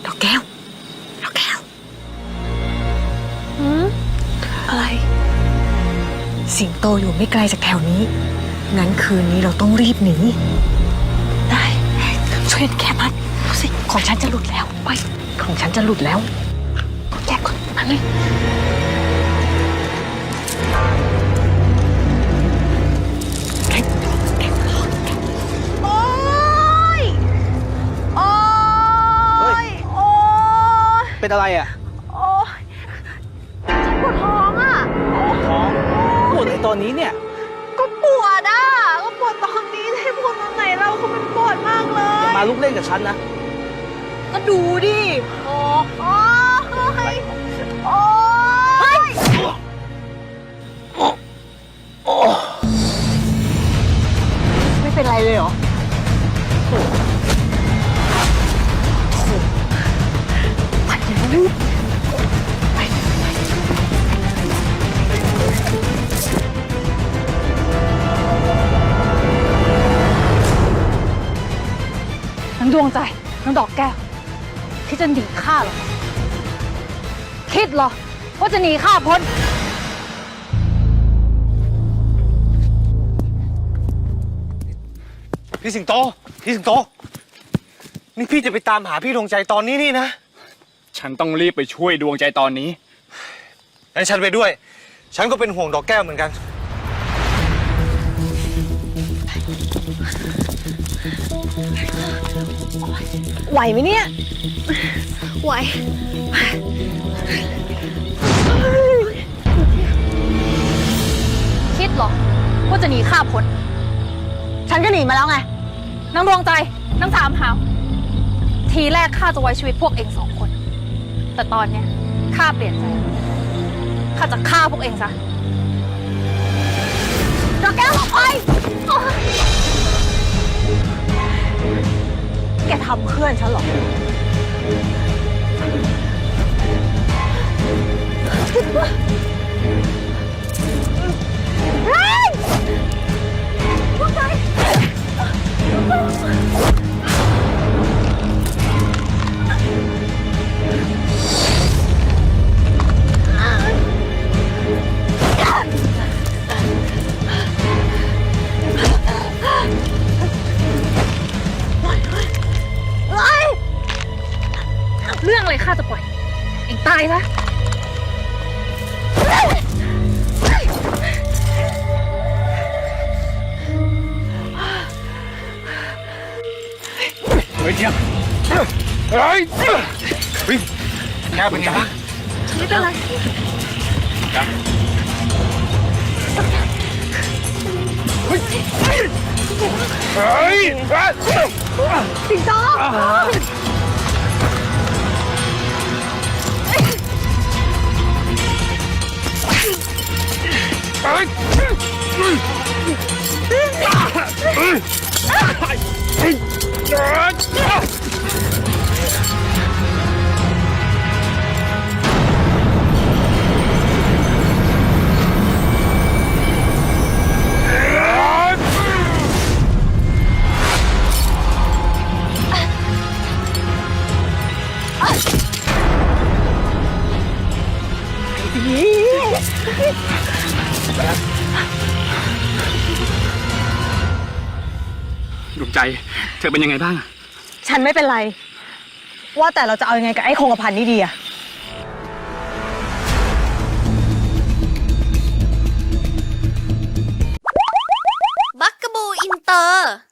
ดอกแก้วอะไรสิงโตอยู่ไม่ไกลจากแถวนี้งั้นคืนนี้เราต้องรีบหนีได้ช่วยแค่มันดูสิของฉันจะหลุดแล้วไปของฉันจะหลุดแล้วแกะก่อนมาเลยโอ๊ยโอ๊ยโอ๊ยเป็นอะไรอ่ะโอ๊ยปวดท้องอ่ะท้องปวดในตอนนี้เนี่ยก็ปวดอ่ะก็ปวดตอนนี้ให้ปวดตอนไหนเราคือมันปวดมากเลยมาลุกเล่นกับฉันนะก็ดูดิโอ้ยโอ๊ยไม่เป็นไรเลยเหรอไปเลยไปทั้งดวงใจทั้งดอกแก้วคิดจะหนีข้าเหรอคิดเหรอว่าจะหนีข้าพ้นพี่สิงโตนี่พี่จะไปตามหาพี่ดวงใจตอนนี้นี่นะฉันต้องรีบไปช่วยดวงใจตอนนี้งั้นฉันไปด้วยฉันก็เป็นห่วงดอกแก้วเหมือนกันไหวไหมเนี่ยไหวคิดเหรอว่าจะหนีข้าพ้นฉันก็หนีมาแล้วไงนางดวงใจนางสามหาวทีแรกข้าจะไว้ชีวิตพวกเอง2 คนแต่ตอนเนี้ยข้าเปลี่ยนใจข้าจะฆ่าพวกเองซะดอกแก้วออกไปแกทำเพื่อนฉันเหรอเฮ้ยพวกใจเรื่องอะไรข้าจะปล่อยเองตายซะเฮ้ยเจี๊ยบเฮ้ยแก้วเป็นไงบ้างไม่เป็นไรเฮ้ยสิงโตดวงใจเธอเป็นยังไงบ้างฉันไม่เป็นไรว่าแต่เราจะเอายังไงกับไอ้คงกระพันนี่ดีอะบักกะบูอินเตอร์